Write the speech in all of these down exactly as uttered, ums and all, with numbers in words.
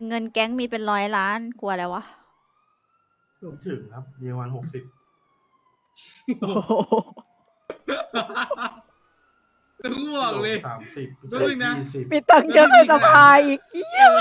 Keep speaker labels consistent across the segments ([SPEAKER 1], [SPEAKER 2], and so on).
[SPEAKER 1] เงินแก๊งมีเป็นร้อยล้านกลัวอะไรวะ
[SPEAKER 2] ไม่ถึงครับมีประมาณหกสิบ
[SPEAKER 3] ต้องบอกเลย
[SPEAKER 2] สามสิบ
[SPEAKER 3] ก็เลยนะ
[SPEAKER 2] ยี่สิบ
[SPEAKER 1] มีตังค์เยอะกว่าสภาอีกเหี้ย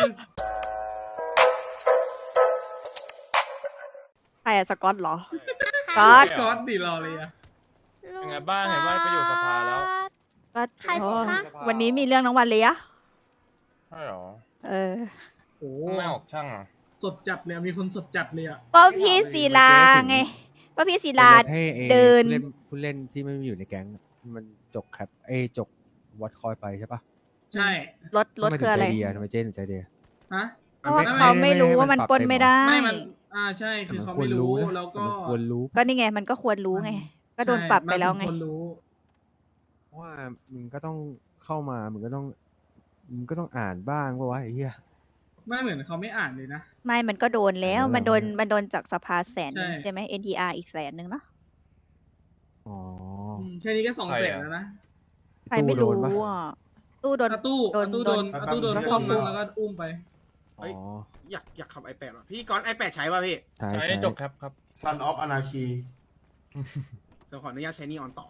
[SPEAKER 1] ใครอะสกอตเหรอ สกอต
[SPEAKER 3] ก๊อตดิรอเลยอะ
[SPEAKER 4] ยังไงบ้างเห็นว่าไปอยู่สภาแล้ว
[SPEAKER 1] ก็
[SPEAKER 5] ใครสิคะ
[SPEAKER 1] วันนี้มีเรื่องน้องวันเลยอะ
[SPEAKER 4] ใช่หรอ
[SPEAKER 1] เออ
[SPEAKER 3] โอ้
[SPEAKER 4] ไม่ออกช่างอ่ะ
[SPEAKER 3] สดจัดเลยอะมีคนสดจัดเลยอะ
[SPEAKER 1] ก็พี่ศิลาไง ก็พี่ศิลา
[SPEAKER 6] ให้ไอ้
[SPEAKER 1] เดิน
[SPEAKER 6] ผู้เล่นผู้เล่นที่ไม่อยู่ในแก๊งมันจกแคปเอยจกวัดคอยไปใช่ปะ
[SPEAKER 3] ใช่
[SPEAKER 1] รถรถ
[SPEAKER 6] ทำม
[SPEAKER 1] คืออะไร
[SPEAKER 6] ถึงใจดีอะทำไมเจ๊ถึงใจดีอะ
[SPEAKER 3] ฮะ
[SPEAKER 1] เพราะว่าเขาไม่รู้ว่ามันปล้นไม่ได้
[SPEAKER 3] ไม่มันอ่าใช่คือเขาไม่รู้
[SPEAKER 6] นะ
[SPEAKER 3] แล้วก็
[SPEAKER 6] มันควรรู้
[SPEAKER 1] ก็นี่ไงมันก็ควรรู้ไง ก็โดนปรับไปแล้วไง
[SPEAKER 3] ใช่มันควรรู้
[SPEAKER 6] เพราะว่ามึงก็ต้องเข้ามามึงก็ต้องมึงก็ต้องอ่านบ้างว่าวะไอ้เหี้ย
[SPEAKER 3] ไม่เหมือนเขาไม่อ่านเลยนะ
[SPEAKER 1] ไม่มันก็โดนแล้ว
[SPEAKER 6] แล้ว
[SPEAKER 1] มันโดน
[SPEAKER 6] แล้ว
[SPEAKER 1] มันโดนจากสภาแสนหนึง
[SPEAKER 3] ใช่
[SPEAKER 1] ใช่ไหม เอ็น ที อาร์ อีกแสนหนึ่งเนาะ
[SPEAKER 6] อ๋อ
[SPEAKER 3] มแค่นี้ก็สอง
[SPEAKER 4] ใคร
[SPEAKER 3] แส
[SPEAKER 4] อะ
[SPEAKER 3] นแล้วนะ
[SPEAKER 1] ใครไม่รู้
[SPEAKER 6] ตู้โดนปะ
[SPEAKER 1] อ่ะ ตู้โดน
[SPEAKER 3] อาตู้
[SPEAKER 1] โดน
[SPEAKER 3] อาตู้โดน
[SPEAKER 1] โดน
[SPEAKER 3] อาตู้โดน
[SPEAKER 2] โดน
[SPEAKER 3] อุ้ม
[SPEAKER 2] โดน
[SPEAKER 3] แล้วก็อุ้มไป
[SPEAKER 6] อ๋อ
[SPEAKER 7] อยากอยากขับ ไอแปด ว่ะพี่ก้อน ไอแปด ใช้ป่ะพี่
[SPEAKER 6] ใช่
[SPEAKER 4] ใช้
[SPEAKER 6] ใช่
[SPEAKER 4] จบครับครับ
[SPEAKER 2] Son of Anarchy
[SPEAKER 7] เดี๋ยวขออนุญาตใช้นี่ออนต่อ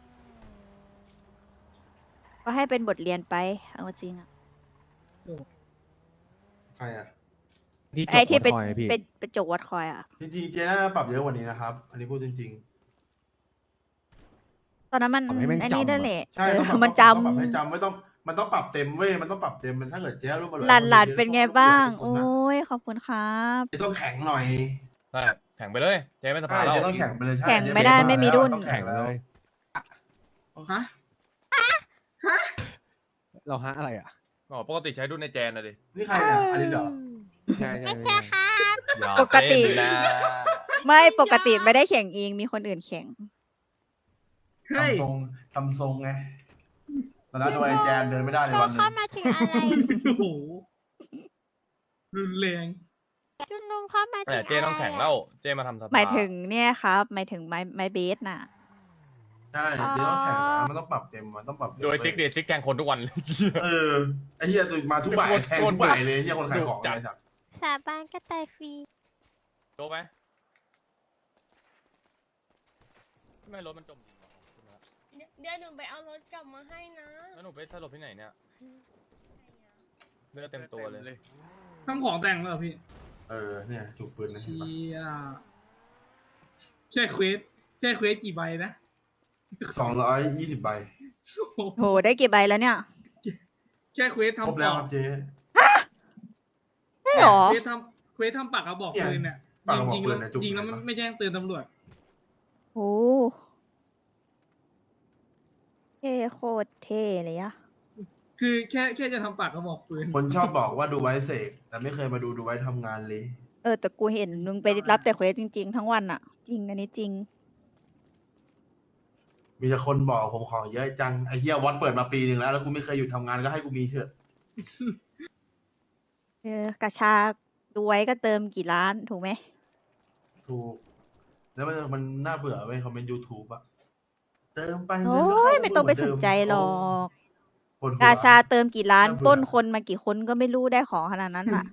[SPEAKER 1] ก็ให้เป็นบทเรียนไป เอาจริงอ่ะ
[SPEAKER 2] ใครอ่ะ
[SPEAKER 6] ที่จ
[SPEAKER 1] ไอ้
[SPEAKER 6] ก
[SPEAKER 1] ที่
[SPEAKER 6] วัด
[SPEAKER 1] เป็น
[SPEAKER 6] คอยอะพี่
[SPEAKER 1] เป็นเป็นจกวัดคอยอ่ะ
[SPEAKER 2] จริงๆเจน่าปรับเยอะกว่านี้นะครับ อันนี้พูดจริง
[SPEAKER 1] ตอนนั้นมัน
[SPEAKER 6] ทำให้แม่ง
[SPEAKER 1] อันนี้
[SPEAKER 6] จำ
[SPEAKER 1] ได้
[SPEAKER 6] อะ
[SPEAKER 1] แหละ
[SPEAKER 2] ๆ ใช่
[SPEAKER 1] เออ
[SPEAKER 2] ต้องปรับ
[SPEAKER 1] มันจ
[SPEAKER 2] ต้องปรับให้จำไม่ต้องมันต้องปรับเต็มเว้ยมันต้องปรับเต็มมันถ้าเกิดเจ๊รู้มาเลย
[SPEAKER 1] ำหลานหลานเป็นไงบ้าง
[SPEAKER 2] โอ้
[SPEAKER 1] โอ้ยขอบคุณครับ
[SPEAKER 2] เจ๊ต้องแข็งหน่อย
[SPEAKER 4] ใช่แข่งไปเลย เจ๊ไม่ส
[SPEAKER 2] ใช่
[SPEAKER 4] ภาแล้ว
[SPEAKER 2] เจ๊ต้องแข็งไปเลยใช่
[SPEAKER 1] แข่ง
[SPEAKER 2] เจ๊
[SPEAKER 1] ไม่ได้
[SPEAKER 2] เจ๊
[SPEAKER 1] ไม่มีรุ่น
[SPEAKER 2] ต้อง
[SPEAKER 6] แข่
[SPEAKER 2] แข็
[SPEAKER 6] ง
[SPEAKER 2] ง
[SPEAKER 6] เล
[SPEAKER 2] แล้ว
[SPEAKER 6] ย
[SPEAKER 3] ฮะ
[SPEAKER 6] เราฮะอะไรอ่ะ
[SPEAKER 4] อ๋อปกติใช้ดุนในแจนนะดิ
[SPEAKER 2] นี่ใครเนี่ยอันนี้เหรอ
[SPEAKER 6] ใช่ใช่
[SPEAKER 5] ไม่
[SPEAKER 6] ใช่
[SPEAKER 5] ใช่ค่ะ
[SPEAKER 4] อย่า
[SPEAKER 1] ปกติ
[SPEAKER 4] เล่นนะ
[SPEAKER 1] ไม่ปกติไม่ได้แข่งเองมีคนอื่นแข่ง
[SPEAKER 3] เฮ้ย
[SPEAKER 2] ทำทรงทำทรงไงตอนนั้นโดนไอแจนเดินไม่ได้ใน
[SPEAKER 5] โช
[SPEAKER 2] วัน
[SPEAKER 5] ว์
[SPEAKER 2] หนึ
[SPEAKER 5] เข้าง มาถึงอะไร
[SPEAKER 3] โอ้โหรุนแรง
[SPEAKER 5] จุนลุงเข้ามาถึ
[SPEAKER 4] แต่
[SPEAKER 5] ง
[SPEAKER 4] เจ๊ต้องแข่งแล้ว เจ๊มาทำสภา
[SPEAKER 1] หมายถึงเนี่ยครับหมายถึงไม้ไม้เบสน่ะ
[SPEAKER 2] ใช่เจ๊ต้องแข็งนะมันต้องปรับเต็มมันต้องปรับเต็ม
[SPEAKER 4] โดยซิกเดซิกแข่งคนทุกวันเลย
[SPEAKER 2] เออไอ้เหี้ยมาทุกบ่ายแทงทุกบ่ายเลยไอ้เหี้ยคนขายของ
[SPEAKER 4] จัด
[SPEAKER 2] ไอ้สัตว์
[SPEAKER 5] สาบานก็ตายฟรี
[SPEAKER 4] โจบไหมทำไมรถมันจมดินวะ
[SPEAKER 8] เดี๋ยวหนูไปเอารถกลับมาให้นะ
[SPEAKER 4] แล้วหนูไปสลบที่ไหนเนี่ยเลือดเต็มตัวเลย
[SPEAKER 3] ทำของแต่งแล้วเหรอพี่
[SPEAKER 2] เออเนี่ยจุกปืนนะเห็น
[SPEAKER 3] เชี
[SPEAKER 2] ปะ
[SPEAKER 3] ยแค่เควสแค่เควสกี่ใบนะ
[SPEAKER 2] สองร้อยยี่สิบใบ
[SPEAKER 3] โอ้โห
[SPEAKER 1] โหได้กี่ใบแล้วเนี่ย
[SPEAKER 3] แค่เควส
[SPEAKER 2] ครบ
[SPEAKER 3] ทำ
[SPEAKER 2] แล้ว
[SPEAKER 3] ป
[SPEAKER 2] ค
[SPEAKER 3] อ
[SPEAKER 2] รั
[SPEAKER 3] ก
[SPEAKER 2] บเจ๊
[SPEAKER 1] ใช่หรอ
[SPEAKER 3] เควสทำเควสทำปากกระบอกปืนเนี่ย
[SPEAKER 2] ปากกระบอก
[SPEAKER 3] ยิง
[SPEAKER 2] ปื
[SPEAKER 3] แล้
[SPEAKER 2] น
[SPEAKER 3] ว
[SPEAKER 2] เนี่ยจุก
[SPEAKER 3] ยิงแล้ว
[SPEAKER 2] ไหน
[SPEAKER 3] มัน
[SPEAKER 2] ปะ
[SPEAKER 3] ไม่แจ้งเตือนตำรวจ
[SPEAKER 1] โอ้เท่โคตรเท่เลยอะ
[SPEAKER 3] คือแค่แค่จะทำปากกระบอกปืน
[SPEAKER 2] คนชอบบอกว่าดูไว้เสกแต่ไม่เคยมาดูดูไว้ทำงานเลย
[SPEAKER 1] เออแต่กูเห็นมึงไปรับแต่เควสจริง ๆ ทั้งวันอะจริงอันนี้จริง
[SPEAKER 2] มีแต่คนบอกผมของเยอะจังไอ้เหี้ยวัดเปิดมาปีหนึ่งแล้วแล้วกูไม่เคยหยุดทำงานก็ให้กูมีเถอะ
[SPEAKER 1] เออกระชาดูไว้ก็เติมกี่ล้านถูกไหม
[SPEAKER 2] ถูกแล้วมันมันน่าเบื่อเว้ยคอมเมนต์ยูทูบอะเติมไป
[SPEAKER 1] โอ้
[SPEAKER 2] เงินก็เข้าย
[SPEAKER 1] ไม่ต้องไปสนใจหรอก
[SPEAKER 2] ปวดหัว
[SPEAKER 1] กาชาเติมกี่ล้าน
[SPEAKER 2] น่าเบื่อ
[SPEAKER 1] ปล้นคนมากี่คนก็ไม่รู้ได้ของขนาดนั้นอะ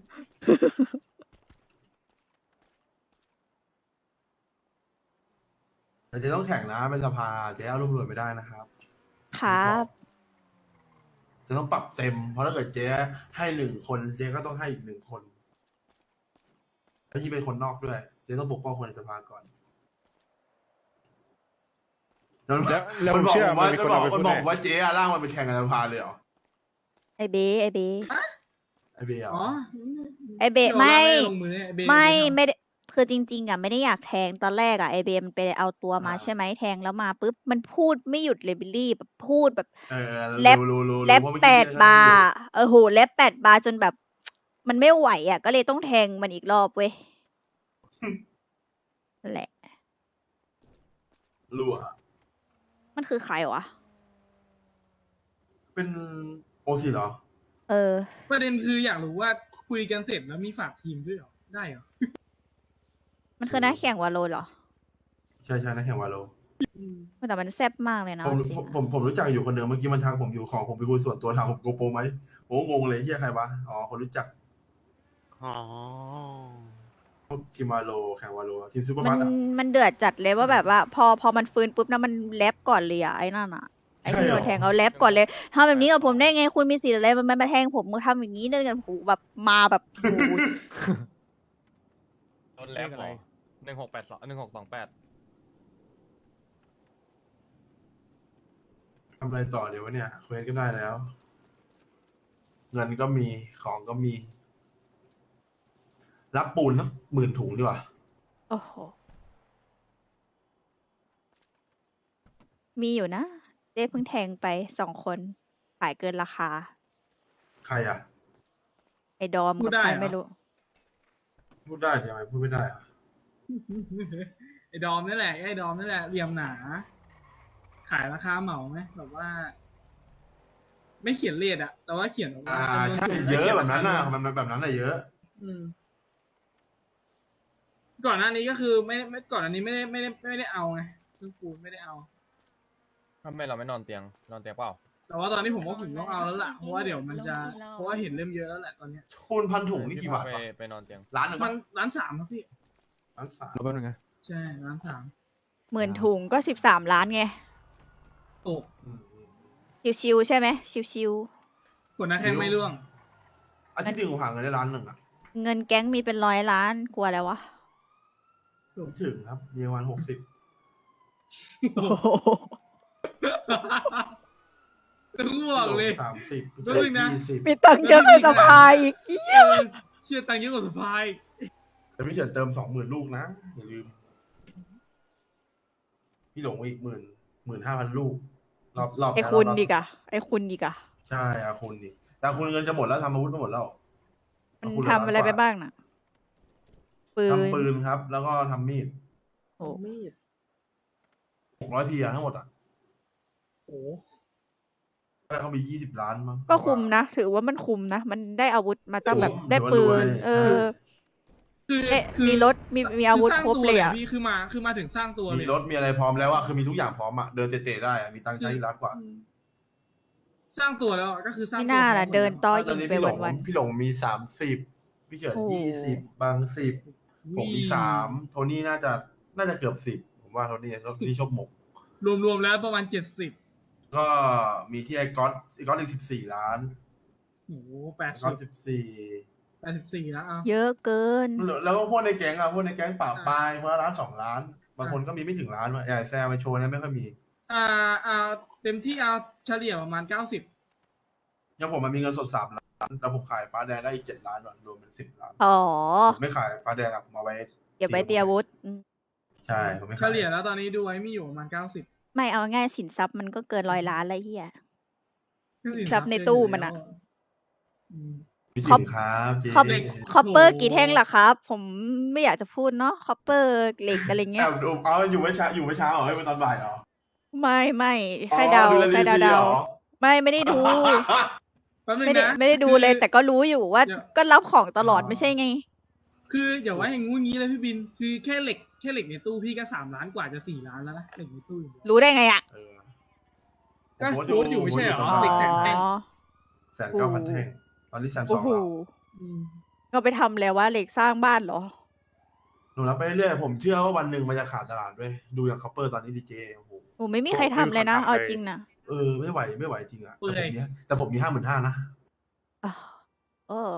[SPEAKER 2] แต่เจ๊ต้องแข่งนะเป็นสภาเจ๊เอารวบรวมไม่ได้นะครับ
[SPEAKER 1] ครับ
[SPEAKER 2] จะต้องปรับเต็ม เพราะถ้าเกิดเจ๊ให้หนึ่งคนเจ๊ก็ต้องให้อีกหนึ่งคนแล้วที่เป็นคนนอกด้วย เจ๊ต้องปกป้องคนในสภาก่อนแล้ว
[SPEAKER 9] แล้ว
[SPEAKER 2] มันบอก
[SPEAKER 9] เชื่อ
[SPEAKER 2] ผมว่า
[SPEAKER 9] มันมี
[SPEAKER 2] ก็
[SPEAKER 9] คน
[SPEAKER 2] บอก
[SPEAKER 9] เอาไป
[SPEAKER 2] มัน
[SPEAKER 9] พูด
[SPEAKER 2] บอก
[SPEAKER 9] แน่
[SPEAKER 2] ว่าเจ๊อะร่างมันเป็นแข่งในสภาเลยเหรอ
[SPEAKER 1] ไอเบไอเบ
[SPEAKER 2] ไอเบียร์เหร
[SPEAKER 3] อ๋อ
[SPEAKER 2] อ
[SPEAKER 1] ไอเบ
[SPEAKER 3] ดี๋ยว
[SPEAKER 1] ไม่
[SPEAKER 3] เราด้ลงมืออ้เบ
[SPEAKER 1] ไม่
[SPEAKER 3] ทำ
[SPEAKER 1] ไม่ได้คือจริง ๆอะไม่ได้อยากแทงตอนแรกอะไอเบมันไปเอาตัวมาใช่ไหมแทงแล้วมาปุ๊บมันพูดไม่หยุดเลยบิลลี่แบบพูดแบบ
[SPEAKER 2] เออ
[SPEAKER 1] แล็บ
[SPEAKER 2] รู้รู้รู้
[SPEAKER 1] แล็บ
[SPEAKER 2] ว่าเมื่อ
[SPEAKER 1] แป
[SPEAKER 2] กี้
[SPEAKER 1] ด
[SPEAKER 2] เจ๊
[SPEAKER 1] บาร์เออโหแล็บแปดบาร์จนแบบ มันไม่ไหวอ่ะ ก็เลยต้องแทงมันอีกรอบเว้ยนั่นแหละ
[SPEAKER 2] รั่ว
[SPEAKER 1] มันคือใครวะ
[SPEAKER 2] เป็นโอซีเหรอ
[SPEAKER 1] เออ
[SPEAKER 3] ประเด็นคืออยากรู้ว่าคุยกันเสร็จแล้วมีฝากทีมด้วยเหรอ ได้เหรอ
[SPEAKER 1] มันคือนักแข่งวาโลเหรอ
[SPEAKER 2] ใช่ใช่นักแข่งวาโล
[SPEAKER 1] แต่มันแซ่บมากเลยนะ
[SPEAKER 2] ผม
[SPEAKER 1] จริง
[SPEAKER 2] ผมผมผมรู้จักอยู่คนเดิมเมื่อกี้มันทักผมอยู่ของผมไปคุยส่วนตัวถามผมโกโปรไหมผมก็งงเลยเฮียใครวะอ๋อคนรู้จัก
[SPEAKER 1] ๆ
[SPEAKER 9] อ๋อ
[SPEAKER 2] พวกทีมวาโลแข่งวาโลทีมซูเปอร์
[SPEAKER 1] มั
[SPEAKER 2] บั
[SPEAKER 1] น
[SPEAKER 2] สอะ
[SPEAKER 1] มันเดือดจัดเลยว่าแบบว่า พอพอมันฟื้นปุ๊บนะมันแลบก่อนเลยอะไอ้นั่นอะไอ้ที่
[SPEAKER 2] ใช่เหรอ
[SPEAKER 1] โดนแทงเอาแลบก่อนเลยทำแบบนี้กับผมได้ไงคุณมีสิทธิ์อะไรมันมาแทงผมมึงทำอย่างนี้ได้กันโหแบบมาแบบโอ้โห
[SPEAKER 4] โดนแลบเหรอหนึ่งหกแปดสองหนึ่งหกสองแปด
[SPEAKER 2] ทำอะไรต่อเดี๋ยววะเนี่ยเควสก็ได้แล้ว เงินก็มีของก็มี รับปูนสักหมื่นถุงดีกว่า
[SPEAKER 1] โอ้โหมีอยู่นะเจ๊เพิ่งแทงไปสองคนขายเกินราคา
[SPEAKER 2] ใครอ่ะ
[SPEAKER 1] ไอ้ดอม
[SPEAKER 3] พู
[SPEAKER 1] กั
[SPEAKER 3] ด
[SPEAKER 1] บ
[SPEAKER 3] ได้
[SPEAKER 1] ใคร
[SPEAKER 3] เหรอ
[SPEAKER 1] ไม่รู้
[SPEAKER 2] พูดได้ทำไมพูดไม่ได้อ่ะ
[SPEAKER 3] ไอ้ดอมนี่แหละไอ้ดอมนี่แหละเหลี่ยมหนา ขายราคาเหมาไหมแบบว่า ไม่เขียนเลทอะแต่ว่าเขียนแบบว่า
[SPEAKER 2] อ่า
[SPEAKER 3] จำนวน
[SPEAKER 2] ใช่
[SPEAKER 3] ถุง
[SPEAKER 2] เยอะ
[SPEAKER 3] ขี
[SPEAKER 2] แบบนั้นน่ะ
[SPEAKER 3] ราคา
[SPEAKER 2] มันมันแบบนั้นน่ะเยอะ
[SPEAKER 3] อืมก่อนหน้านี้ก็คือไม่ไม่ก่อนอันนี้ไม่ได้ไม่ได้ไม่ได้เอาไงซึ่งกูไม่ได้เอา
[SPEAKER 4] ทำไมเราไม่นอนเตียงนอนเตียงเปล่า
[SPEAKER 3] แต่ว่าตอนนี้ผมว่าผมต้องเอาแล้วล่ะเพราะว่าเดี๋ยวมันจะเพราะว่าเห็นเริ่มเยอะแล้วแหละตอนเนี้ย
[SPEAKER 2] คูณพันถุงนี่กี่บาท
[SPEAKER 4] ไป
[SPEAKER 2] วะ
[SPEAKER 4] ไปนอนเตียง
[SPEAKER 2] ล้านหนึ่ง
[SPEAKER 3] มั
[SPEAKER 2] ปะ
[SPEAKER 3] นร้านสามครับพี่
[SPEAKER 2] ล้านสาม
[SPEAKER 6] แล้วแป๊บนึงนะ
[SPEAKER 3] ใช่ร้านสาม
[SPEAKER 1] หมื่นถุงก็สิบสามล้านไง
[SPEAKER 3] โอ้
[SPEAKER 2] อืมอืม
[SPEAKER 1] ชิวๆใช่ไหมชิว
[SPEAKER 3] กดหน้าแข้งไม่ร่วง
[SPEAKER 2] อาทิตย์หนึ่งผมหาเงินได้ล้านหนึ่งอ่ะ
[SPEAKER 1] ๆเงินแก๊งมีเป็นร้อยล้านกลัวแล้ววะ
[SPEAKER 2] ไม่ถึงครับมีประมาณหกสิบ
[SPEAKER 1] โอ้โห
[SPEAKER 3] แล้วกูบอกเลย
[SPEAKER 2] สามสิบ
[SPEAKER 3] แป๊บนึงนะ
[SPEAKER 2] ยี่สิบ
[SPEAKER 1] มีตังค์เยอะกว่าสภาอีก
[SPEAKER 3] เออเชื่อตังค์เยอะกว่าสปาย
[SPEAKER 2] แต่พี่เฉินเติมสองหมื่นลูกนะอย่าลืม พี่หลงอีกหมื่นหมื่นห้าพันลูก รอบรอบ
[SPEAKER 1] ไอ้
[SPEAKER 2] แล้ว
[SPEAKER 1] คุณ
[SPEAKER 2] รบ
[SPEAKER 1] ดีกอะไอ้คุณดีกอะ
[SPEAKER 2] ใช่อาคุณดิแต่อาคุณเงินจะหมดแล้วทำอาวุธก็หมดแล้ว
[SPEAKER 1] มัน
[SPEAKER 2] อาคุณ
[SPEAKER 1] ทำอะไรไปบ้างน่ะ ปืน
[SPEAKER 2] ทำปืนครับ แล้วก็ทำมีด
[SPEAKER 1] โอ้
[SPEAKER 3] มีด
[SPEAKER 2] หกร้อยทีอะทั้งหมดอ่ะ
[SPEAKER 3] โอ้
[SPEAKER 2] แล้วเขามียี่สิบล้านมั้ง
[SPEAKER 1] ก็คุมนะ ถือว่ามันคุมนะ มันได้อาวุธมาตั้งแบบ
[SPEAKER 2] คุ้ม
[SPEAKER 1] ได้
[SPEAKER 2] ถือว่า
[SPEAKER 1] ปืน
[SPEAKER 2] รวย
[SPEAKER 1] เออ
[SPEAKER 3] คือ
[SPEAKER 1] เอ๊ะ
[SPEAKER 3] คือ
[SPEAKER 1] มีรถมีมีอาวุธ
[SPEAKER 3] สร้ง
[SPEAKER 1] ครบ
[SPEAKER 3] ตัว
[SPEAKER 1] เลยอะ
[SPEAKER 3] พี่คือมาคือมาถึงสร้างตัวเลย
[SPEAKER 2] มีรถมีอะไรพร้อมแล้วอะคือมีทุกอย่างพร้อมอะเดินเตะๆได้อะมีตังค์ใช้ล้านกว่า
[SPEAKER 3] สร้างตัวแล้วอะก็คือสร้าง
[SPEAKER 1] ไม่
[SPEAKER 3] ตัว
[SPEAKER 1] น่าล่ะ
[SPEAKER 3] พร้อมหม
[SPEAKER 1] เดิน
[SPEAKER 3] แล้ว
[SPEAKER 1] ต่อ
[SPEAKER 2] ต
[SPEAKER 1] ยิ
[SPEAKER 2] อน
[SPEAKER 1] ง
[SPEAKER 2] นี้
[SPEAKER 1] ไป
[SPEAKER 2] พี่หลง
[SPEAKER 1] วัน
[SPEAKER 2] พี่หลงมีสามสิบพี่เฉิน
[SPEAKER 1] โอ้โห
[SPEAKER 2] ยี่สิบบางสิบผมมีสามโทนี่น่าจะน่าจะเกือบสิบผมว่าโทนี่โทนี่ชอบหมก
[SPEAKER 3] รวมๆแล้วประมาณเจ็ดสิบ
[SPEAKER 2] ก็มีที่ไอ้ก๊อตไอ้ก๊อตอีกสิบสี่ล้าน
[SPEAKER 3] โอ้โหแปด
[SPEAKER 2] ไอ้ก๊อต
[SPEAKER 3] สิ
[SPEAKER 2] สิ
[SPEAKER 3] บบ
[SPEAKER 2] สี่
[SPEAKER 3] แปดสิบสี่แล้วเอา
[SPEAKER 1] เยอะเกิน
[SPEAKER 2] แล้วก็พวกในแก๊งอะพวกในแก๊งป่าปลายคนละล้านสองล้าน บางคนก็มีไม่ถึงล้านว่ะอย่างไอ้แซมไปโชว์เนี่ยไม่ค่อยมี
[SPEAKER 3] อ่าอ่าเต็มที่เอาเฉลี่ยประมาณเก้าสิบ
[SPEAKER 2] อย่างผมมันมีเงินสดสามล้านแล้วผมขายฟ้าแดงได้อีกเจ็ดล้านว่ะรวมเป็นสิบล้าน
[SPEAKER 1] อ๋อ
[SPEAKER 2] ผมไม่ขายฟ้าแดงอะผมเอาไว้
[SPEAKER 1] เก็บไว้เตรียมอาวุธอืม
[SPEAKER 2] ใช่ผมไม่
[SPEAKER 3] เฉ
[SPEAKER 2] ขาย
[SPEAKER 3] ลี่ยแล้วตอนนี้ดูไว้มีอยู่ประมาณเก้าสิบ
[SPEAKER 1] ไม่เอาง่ายสินทรัพย์มันก็เกินร้อยล้านเลยเฮีย ทรัพย์ในตู้มันอะ
[SPEAKER 2] พี่
[SPEAKER 1] คร
[SPEAKER 2] ถึ
[SPEAKER 1] บ
[SPEAKER 2] งครับเจ๊
[SPEAKER 1] คอป
[SPEAKER 3] เหล็ก
[SPEAKER 1] คอปเปอร์กี่แท่งล่ะครับ ผมไม่อยากจะพูดเนาะคอปเปอร์เหล็กอะไร
[SPEAKER 2] แอ
[SPEAKER 1] เงี้ย
[SPEAKER 2] บดูเอาอยู่ไม่เช้าอยู่ไม่เช้าเหรอให้เป็นตอนบ่ายเหรอ
[SPEAKER 1] ไม่ไม่แค่เดา
[SPEAKER 2] อ๋อ
[SPEAKER 1] แค่เดา
[SPEAKER 2] รีวิว
[SPEAKER 1] เดา
[SPEAKER 2] เหรอ
[SPEAKER 1] ไม่ไม่ได้ดู
[SPEAKER 3] แป๊บนึง
[SPEAKER 1] ไม่ได้
[SPEAKER 3] นะ
[SPEAKER 1] ไม่ได้ดูเลย
[SPEAKER 3] คือ
[SPEAKER 1] แต่ก็รู้อยู่ว่า
[SPEAKER 3] เดี๋ยว
[SPEAKER 1] ก็รับของตลอด
[SPEAKER 2] อ๋อ
[SPEAKER 1] ไม่ใช่ไง
[SPEAKER 3] คืออย่าว่าอย่างงู้นงี้เลยพี่บิน คือแค่เหล็กแค่เหล็กในตู้พี่ก็สามล้านกว่าจะสี่ล้านแล้วนะเหล็กในตู้อย่างเดียว
[SPEAKER 1] รู้ได้ไงอ่ะ
[SPEAKER 2] เออ
[SPEAKER 3] ก็
[SPEAKER 2] ผม
[SPEAKER 3] โพสต์อยู่ไม่ใช่เหรอ
[SPEAKER 2] ผม
[SPEAKER 1] อ๋อ
[SPEAKER 2] โพสต์
[SPEAKER 3] เหล็กแสนแท่ง
[SPEAKER 2] แสนเก้าพันแท่งตอนนี้แสนส
[SPEAKER 1] โอ้
[SPEAKER 2] อง
[SPEAKER 1] โห
[SPEAKER 2] แล้ว
[SPEAKER 3] อืม
[SPEAKER 1] ก็ไปทำแล้วว่าเหล็กสร้างบ้านเหรอ
[SPEAKER 2] หนูรับไปเรื่อยผมเชื่อว่าวันหนึ่งมันจะขาดตลาดด้วย ดูอย่างคัพเปอร์ตอนนี้ดีเจโอ้โห
[SPEAKER 1] โอ้ไม่มีใครทำเลยนะ เอาจริงนะ
[SPEAKER 2] เออไม่ไหวไม่ไหวจริงอะแต่ผมมีแต่ผมมีห้าหมื่นห้านะ
[SPEAKER 1] อ้าวเออ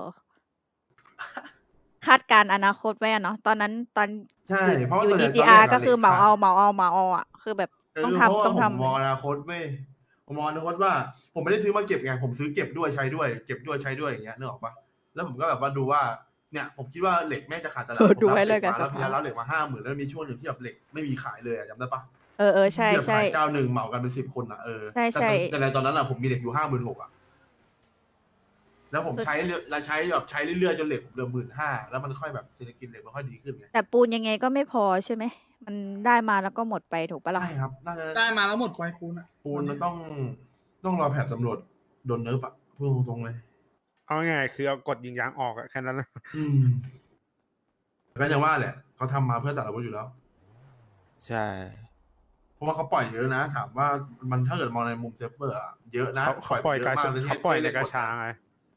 [SPEAKER 1] คาดการณ์อนาคตไว้อะเนาะตอนนั้นตอน
[SPEAKER 2] ใช่เพราะว่า
[SPEAKER 1] อยู่
[SPEAKER 2] ตอน
[SPEAKER 1] ดี
[SPEAKER 2] แร
[SPEAKER 1] จี
[SPEAKER 2] ตน
[SPEAKER 1] อา
[SPEAKER 2] แร
[SPEAKER 1] ร์ก็คือเหมา
[SPEAKER 2] ล็ก
[SPEAKER 1] เอา
[SPEAKER 2] ขด
[SPEAKER 1] เหมาเอาเหมาเอาอ่ะ คือแบบต้องทำต้องทำ
[SPEAKER 2] ผมมองอนาคตเว้ยผมมองอนาคตว่า ผมไม่ได้ซื้อมาเก็บไงผมซื้อเก็บด้วยใช้ด้วยเก็บด้วยใช้ด้วยอย่างเงี้ยนึกออกปะแล้วผมก็แบบว่าดูว่าเนี่ยผมคิดว่าเหล็กแม่งจะขาดตลาด
[SPEAKER 1] เออ
[SPEAKER 2] ผม
[SPEAKER 1] ดู
[SPEAKER 2] รับ
[SPEAKER 1] ไว้เลย
[SPEAKER 2] ห
[SPEAKER 1] กั
[SPEAKER 2] ล็
[SPEAKER 1] บ
[SPEAKER 2] มาแล้ว
[SPEAKER 1] สภาพ
[SPEAKER 2] พี่รับเหล็กมาห้าหมื่นแล้วมีช่วงหนึ่งที่แบบเหล็กไม่มีขายเลยอะจำได้ปะ
[SPEAKER 1] เออเออใช่
[SPEAKER 2] ที่แบบ
[SPEAKER 1] ใช่
[SPEAKER 2] ขายเจ้าหนึ่งเหมากันเป็นสิบคนอะเออ
[SPEAKER 1] ใช่ใช่
[SPEAKER 2] แต่ในตอนนั้นอะผมมีเหล็กอยู่ห้าหมื่นหกอะแล้วผมใช้แล้วใช้แบบใช้เรื่อยๆจนเหล็กผมเหลือหมื่นห้าแล้วมันค่อยแบบเศรษฐกิจเหล็กมันค่อยดีขึ้นไง
[SPEAKER 1] แต่ปูนยังไงก็ไม่พอใช่ไหม มันได้มาแล้วก็หมดไปถูกปะล่ะ
[SPEAKER 2] ใช่ครับน่าจะ
[SPEAKER 3] ได้มาแล้วหมดไวปูนอ่ะ
[SPEAKER 2] ปูนมันต้องต้องรอแผนตำรวจโดนเนิร์ฟอะพูดตรงๆเลย
[SPEAKER 9] เอาง่ายๆคือเอากดยิงยางออกอะแค่นั้นนะ
[SPEAKER 2] อืมก็อย่างว่าแหละเขาทำมาเพื่อสารวัตรอยู่แล้ว
[SPEAKER 9] ใช่
[SPEAKER 2] เพราะว่าเขาปล่อยเยอะนะ ถามว่ามันถ้าเกิดมองในมุมเซฟเวอร์อะเยอะนะ
[SPEAKER 9] เขาเขาปล่อย
[SPEAKER 2] เย
[SPEAKER 9] กา
[SPEAKER 2] อะม
[SPEAKER 9] ชา
[SPEAKER 2] ล
[SPEAKER 9] เขาปล่อยในกาชา
[SPEAKER 2] ไง
[SPEAKER 9] ไง
[SPEAKER 2] ม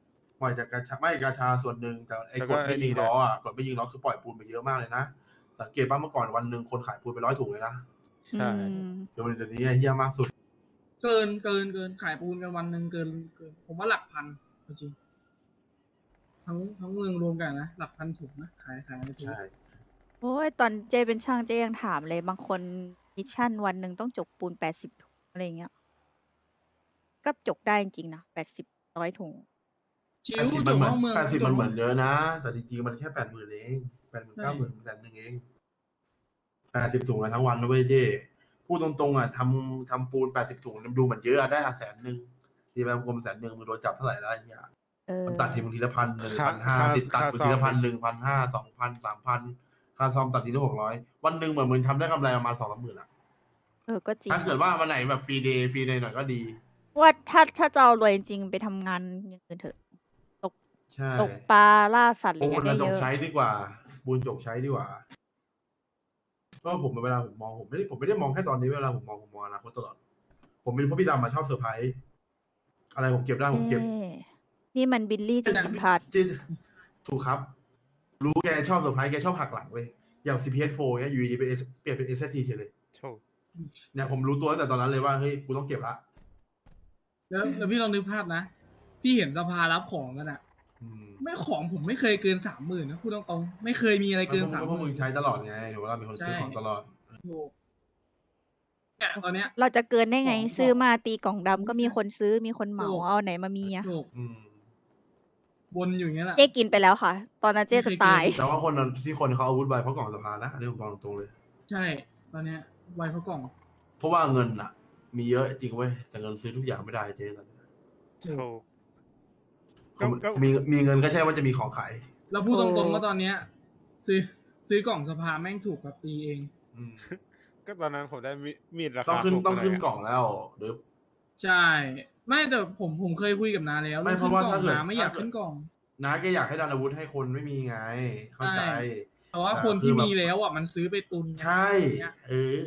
[SPEAKER 2] ล่อยจากกาชาไม่กาชาส่วนหนึ่งแต่ไอ้
[SPEAKER 9] แล้ว
[SPEAKER 2] ก
[SPEAKER 9] ก็
[SPEAKER 2] ดไม่
[SPEAKER 9] ไอ้นี่
[SPEAKER 2] ยิง
[SPEAKER 9] ด้วย
[SPEAKER 2] ล้ออ่ะกดไม่ยิงล้อคือปล่อยปูนไปเยอะมากเลยนะสังเกตป่ะเมื่อก่อนวันหนึ่งคนขายปูนไปร้อยถุงเลยนะ
[SPEAKER 9] ใช่
[SPEAKER 1] อืม
[SPEAKER 2] เดี๋ยวเดี๋ยวนี้ไอ้เฮี้ยมากสุด
[SPEAKER 3] เกินเกินเกินขายปูนกันวันหนึ่งเกินเกิน ผมว่าหลักพันจริงๆทั้งทั้งเมืองรวมกันนะหลักพันถุงนะขายขายในถุง
[SPEAKER 2] ใช่
[SPEAKER 1] โอ้ยตอนเจเป็นช่างเจยังถามเลย บางคนมิชชั่นวันหนึ่งต้องจกปูนแปดสิบถุงอะไรเงี้ย ก็จกได้จริงๆนะแปดสิบร้อยถุง
[SPEAKER 3] ชิ
[SPEAKER 2] แป
[SPEAKER 3] ว
[SPEAKER 2] ดสิบ
[SPEAKER 3] จ
[SPEAKER 2] มัน
[SPEAKER 3] บ
[SPEAKER 2] เหมือน
[SPEAKER 3] นอกเมือง
[SPEAKER 2] แปดสิบ
[SPEAKER 3] จ
[SPEAKER 2] มันเหมือนเยอะนะแต่จริงๆมันแค่แปดหมื่นเองแปดหมื่น
[SPEAKER 3] ใช่
[SPEAKER 2] เก้าหมื่นแสนหนึ่งเองแปดสิบถุงกันทั้งวันนะเว้ยเจ้พูดตรงๆอ่ะทำทำปูนแปดสิบถุงมันดูเหมือนเยอะอะได้แสนหนึ่งทีแบบกลมแสนหนึ่งมึงโดนจับเท่าไหร่แล้วไอ้เงี้ย
[SPEAKER 1] เออ
[SPEAKER 2] มันตัดทีมึงทีละพันหนึ่ง
[SPEAKER 9] ค่า
[SPEAKER 2] พันห้า
[SPEAKER 9] ค่า
[SPEAKER 2] ติดตัด
[SPEAKER 9] ค่า
[SPEAKER 2] มึง
[SPEAKER 9] ซ่อ
[SPEAKER 2] ที
[SPEAKER 9] ม
[SPEAKER 2] ละพันหนึ่งพันห้าสองพันสามพันค่าซ่อมตัดทีละหกร้อยวันหนึ่งเหมือนมึงทำได้กำไรประมาณสองสามหมื่นอ่ะ
[SPEAKER 1] เออ ก็จริง
[SPEAKER 2] ถ้าเกิดว่าวันไหนแบบฟรีเดย์ฟรีเดย์หน่อยก็ดี
[SPEAKER 1] ว่าถ้าถ้าจะเอารวยจริงๆไปทำงานอย่างอื่นเถอะ
[SPEAKER 2] ใช่
[SPEAKER 1] ตกปลาล่าสัตว์อะไร
[SPEAKER 2] ปู
[SPEAKER 1] เงี้
[SPEAKER 2] น
[SPEAKER 1] ยได้
[SPEAKER 2] เราจ
[SPEAKER 1] เย
[SPEAKER 2] ก
[SPEAKER 1] อะ
[SPEAKER 2] ใช้ดีกว่าปูนจกใช้ดีกว่าก็ผมเวลาผมมองผมไม่ได้ผมไม่ได้มองแค่ตอนนี้เวลาผมมองผมมองอนาคตตลอด ผมเป็นเพราะพี่ดำมาชอบเซอร์ไพรส์อะไรผมเก็บได้ผมเก็บ
[SPEAKER 1] เอ้นี่มันบิลลี่จิตรพัฒน์
[SPEAKER 2] จริงถูกครับ รู้แกชอบเซอร์ไพรส์แกชอบหักหลังเว้ยอย่าง ซี พี เอส โฟร์เนี่ยอยู่ดีๆเป็น S- เปลี่ยนเป็น เอส เอส ที เฉยเลย
[SPEAKER 9] โชค
[SPEAKER 2] เนี่ยผมรู้ตัวตั้งแต่ตอนนั้นเลยว่าเฮ้ยกูต้องเก็บละ
[SPEAKER 3] แล้วแล้วพี่ลองนึกภาพนะ พี่เห็นสภารับของกันอะ
[SPEAKER 2] อืม
[SPEAKER 3] ไม่ของผมไม่เคยเกินสามหมื่นนะพูดตรงๆไม่เคยมีอะไรเกินสาม
[SPEAKER 2] ก็
[SPEAKER 3] ห
[SPEAKER 2] พวกมึ
[SPEAKER 3] มื่
[SPEAKER 2] ง
[SPEAKER 3] น
[SPEAKER 2] ใช้ตลอดไงหรือว่าเราเป็นคนซื้อของตลอด
[SPEAKER 3] ถูกเนี่ยตอนเนี้ย
[SPEAKER 1] เราจะเกินได้ไง
[SPEAKER 3] ของ
[SPEAKER 1] ซื้อมาตีกล่องดำก็มีคนซื้อมีคนเหมา
[SPEAKER 3] ถูก
[SPEAKER 1] เอาไหนมามีอะ
[SPEAKER 3] ถูก
[SPEAKER 2] อืม
[SPEAKER 3] วนอยู่อย่างเงี้ยแหละ
[SPEAKER 1] เจ๊กินไปแล้วค่ะ ตอนนั้นเจ๊จะตาย
[SPEAKER 2] แต่ว่าคนนั้นที่คนเขาอาวุธไวเพราะกล่องสภานะอันนี้ผมบอกตรงๆเลย
[SPEAKER 3] ใช่ ตอนเนี้ยไวเพราะกล่อง
[SPEAKER 2] เพราะว่าเงินอ่ะ มีเยอะจริงเว้ยแต่เงินซื้อทุกอย่างไม่ได้เจ๊ตอนนี้
[SPEAKER 9] โชค
[SPEAKER 2] เขา
[SPEAKER 9] ก็
[SPEAKER 2] มีมีเงินก็ใช่ว่าจะมีของขาย
[SPEAKER 3] เราพูดต
[SPEAKER 1] โอ้
[SPEAKER 3] รงๆว่าตอนเนี้ย ซื้อซื้อกล่องสภาแม่งถูกกว่าตีเอง
[SPEAKER 2] อืม
[SPEAKER 9] ก็ตอนนั้นผมได้มีมีดรา
[SPEAKER 2] ต้อง
[SPEAKER 9] คา
[SPEAKER 2] ขึ้น
[SPEAKER 9] ถูก
[SPEAKER 2] ต้องขึ้น
[SPEAKER 9] ไปเลยะ
[SPEAKER 2] กล่องแล้วหรือ
[SPEAKER 3] ใช่ ไม่แต่ผมผมเคยคุยกับนาแล้ว
[SPEAKER 2] ไม่
[SPEAKER 3] เรื่อง
[SPEAKER 2] เพ
[SPEAKER 3] ขึ้
[SPEAKER 2] ราะ
[SPEAKER 3] น
[SPEAKER 2] ว่าก
[SPEAKER 3] ล่อง
[SPEAKER 2] ถ้าเกิด
[SPEAKER 3] นาไม่อยาก
[SPEAKER 2] ถ้าเกิด
[SPEAKER 3] ขึ้นกล่อง
[SPEAKER 2] น้าแกอยากให้ดันอาวุธให้คนไม่มีไง เข้าใจ
[SPEAKER 3] ใช่ แต่ว่า
[SPEAKER 2] แต่
[SPEAKER 3] คน
[SPEAKER 2] คือ
[SPEAKER 3] ที่
[SPEAKER 2] แบบ
[SPEAKER 3] มีแล้วอ่ะมันซื้อไปตุน
[SPEAKER 2] ใช่
[SPEAKER 3] อย่างเงี้ย
[SPEAKER 2] เออ